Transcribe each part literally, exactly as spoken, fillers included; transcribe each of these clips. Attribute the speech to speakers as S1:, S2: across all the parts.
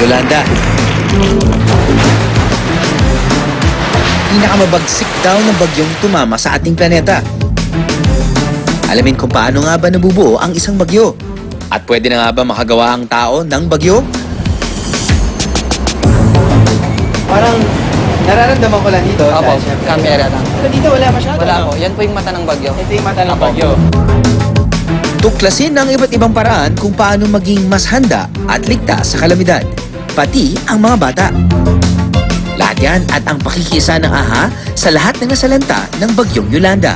S1: Yolanda. Pinakamabagsik daw ng bagyong tumama sa ating planeta. Alamin kung paano nga ba nabubuo ang isang bagyo. At pwede na nga ba makagawa ang tao ng bagyo?
S2: Parang nararamdaman ko lang dito.
S3: Opo,
S2: dahil syempre-
S3: camera lang.
S2: Pero dito wala masyado.
S3: Wala
S2: no?
S3: po. Yan po yung mata ng bagyo.
S2: Ito yung mata ng
S3: Opo.
S2: bagyo.
S1: Tuklasin ng iba't ibang paraan kung paano maging mas handa at ligtas sa kalamidad, pati ang mga bata. Lahat yan at ang pakikisa ng AHA sa lahat ng nasalanta ng bagyong Yolanda.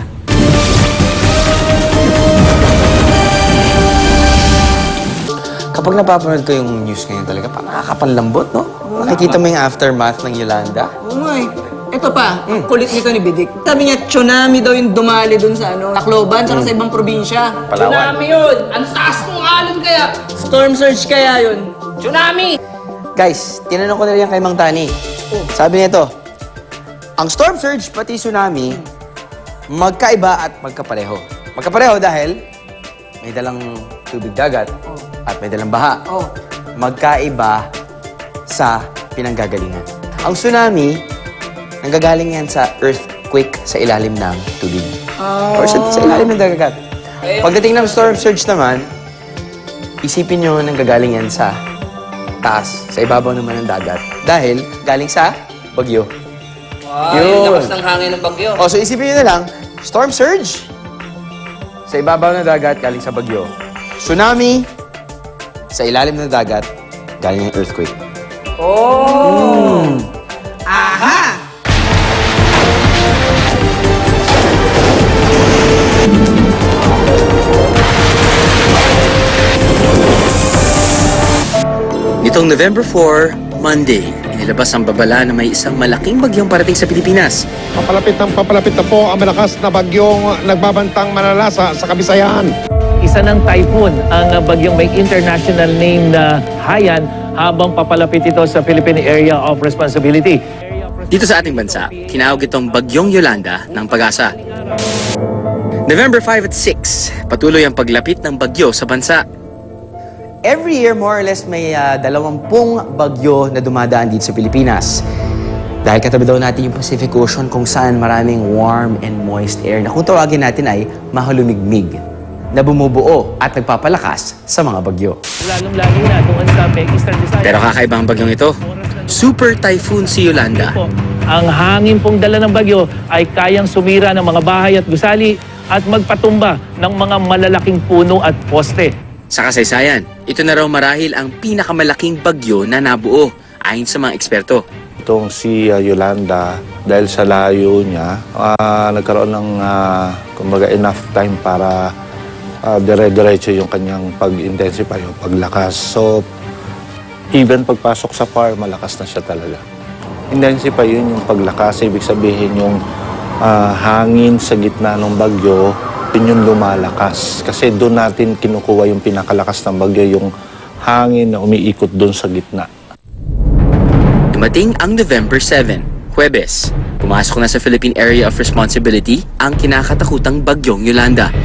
S2: Kapag napapanood ko yung news ngayon talaga, parang nakakapanlambot, no? Nakikita mo yung aftermath ng Yolanda.
S3: Oo nga eh. Ito pa, kulit nito ni Bidik. Sabi niya, tsunami daw yung dumali dun sa ano, Tacloban, tsaka sa ibang probinsya.
S2: Palawan.
S4: Tsunami yun! Ang taas ng alon kaya!
S3: Storm surge kaya yun.
S4: Tsunami!
S2: Guys, tinanong ko na rin kay Mang Tani. Sabi nito, ang storm surge pati tsunami, magkaiba at magkapareho. Magkapareho dahil may dalang tubig dagat at may dalang baha.
S3: Oh.
S2: Magkaiba sa pinanggagalingan. Ang tsunami, nanggagaling yan sa earthquake sa ilalim ng tubig. Or sa, sa ilalim ng dagat. Pagdating ng storm surge naman, isipin nyo nanggagaling yan sa taas, sa ibabaw naman ng dagat. Dahil galing sa bagyo.
S4: Wow,
S2: Yun.
S4: yung lakas ng hangin ng bagyo.
S2: O, so isipin nyo na lang, storm surge, sa ibabaw ng dagat, galing sa bagyo. Tsunami, sa ilalim ng dagat, galing ng earthquake.
S4: Oh!
S3: Aha!
S1: Nitong November four, Monday, inilabas ang babala na may isang malaking bagyong parating sa Pilipinas.
S5: Papalapit ng papalapit na po ang malakas na bagyong nagbabantang manalasa sa Kabisayan.
S6: Isa ng typhoon ang bagyong may international name na Haiyan habang papalapit ito sa Philippine Area of Responsibility.
S1: Dito sa ating bansa, tinawag itong Bagyong Yolanda ng Pag-asa. November five at six, patuloy ang paglapit ng bagyo sa bansa.
S2: Every year, more or less, may uh, dalawampung bagyo na dumadaan dito sa Pilipinas. Dahil katabi daw natin yung Pacific Ocean kung saan maraming warm and moist air na kung tawagin natin ay mahalumigmig na bumubuo at nagpapalakas sa mga bagyo.
S6: Lalong-lalo na doon sa may Eastern Visayas.
S1: Pero kakaiba ang bagyong ito. Super Typhoon si Yolanda.
S6: Po, ang hangin pong dala ng bagyo ay kayang sumira ng mga bahay at gusali at magpatumba ng mga malalaking puno at poste.
S1: Sa kasaysayan, ito na raw marahil ang pinakamalaking bagyo na nabuo ayon sa mga eksperto.
S5: Itong si uh, Yolanda, dahil sa layo niya, ah, nagkaroon ng ah, kumbaga enough time para ah, dire-diretso yung kanyang pag-intensify o paglakas. So, even pagpasok sa far, malakas na siya talaga. Intensify yun yung paglakas. Ibig sabihin yung ah, hangin sa gitna ng bagyo, yun yung lumalakas. Kasi doon natin kinukuha yung pinakalakas ng bagyo, yung hangin na umiikot doon sa gitna.
S1: Dumating ang November seven, Huwebes. Pumasok na sa Philippine Area of Responsibility ang kinakatakutang bagyong Yolanda.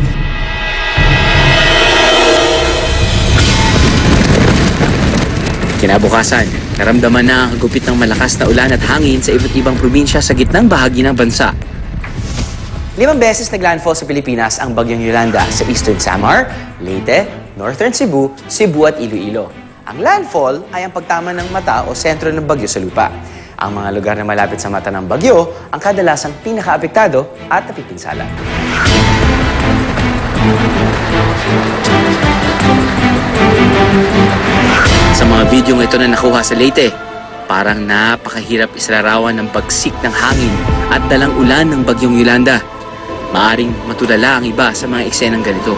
S1: Kinabukasan, naramdaman na ang hagupit ng malakas na ulan at hangin sa iba't ibang probinsya sa gitnang bahagi ng bansa.
S2: Limang beses naglandfall sa Pilipinas ang bagyong Yolanda sa Eastern Samar, Leyte, Northern Cebu, Cebu at Iloilo. Ang landfall ay ang pagtama ng mata o sentro ng bagyo sa lupa. Ang mga lugar na malapit sa mata ng bagyo ang kadalasang pinakaapektado at napipinsala.
S1: Sa mga videong ito na nakuha sa Leyte, parang napakahirap isalarawan ng pagsik ng hangin at dalang ulan ng bagyong Yolanda. Maaring matulala ang iba sa mga eksenang ganito.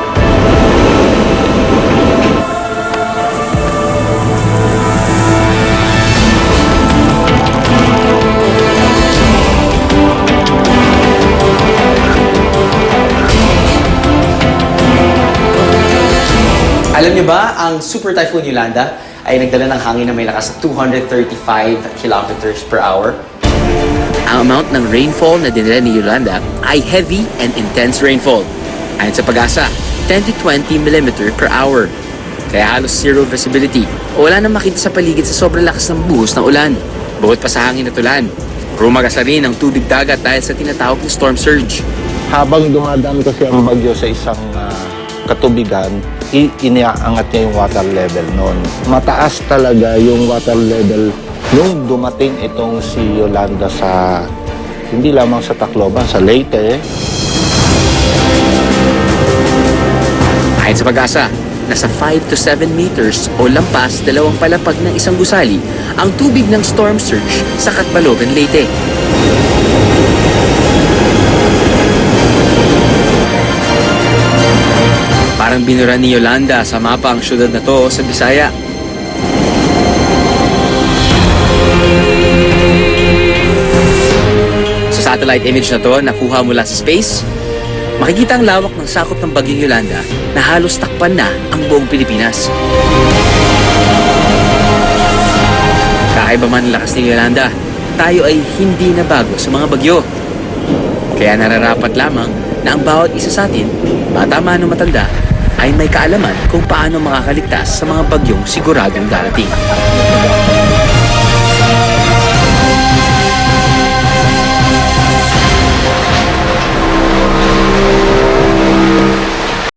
S2: Alam niyo ba, ang Super Typhoon Yolanda ay nagdala ng hangin na may lakas na two hundred thirty-five kilometers per hour.
S1: Ang amount ng rainfall na dinala ni Yolanda ay heavy and intense rainfall. Ayon sa Pag-asa, ten to twenty millimeter per hour. kaya halos zero visibility o wala nang makita sa paligid sa sobrang lakas ng buhos ng ulan. Bukod pa sa hangin at ulan, rumagasa rin ang tubig dagat dahil sa tinatawag na storm surge.
S5: Habang dumadaan kasi ang bagyo sa isang ah, katubigan, i- iniaangat niya yung water level noon. Mataas talaga yung water level nung dumating itong si Yolanda sa, hindi lamang sa Tacloban, sa Leyte.
S1: Ayon sa Pag-asa, nasa five to seven meters o lampas dalawang palapag ng isang gusali ang tubig ng storm surge sa Catbalogan, Leyte. Parang binura ni Yolanda sa mapa ang syudad na to sa Bisaya. Sa satellite image na to, nakuha mula sa space, makikita ang lawak ng sakop ng bagyong Yolanda na halos takpan na ang buong Pilipinas. Kakaiba man ang lakas ni Yolanda, tayo ay hindi na bago sa mga bagyo. Kaya nararapat lamang na ang bawat isa sa atin, bata man o matanda, ay may kaalaman kung paano makakaligtas sa mga bagyong siguradong darating.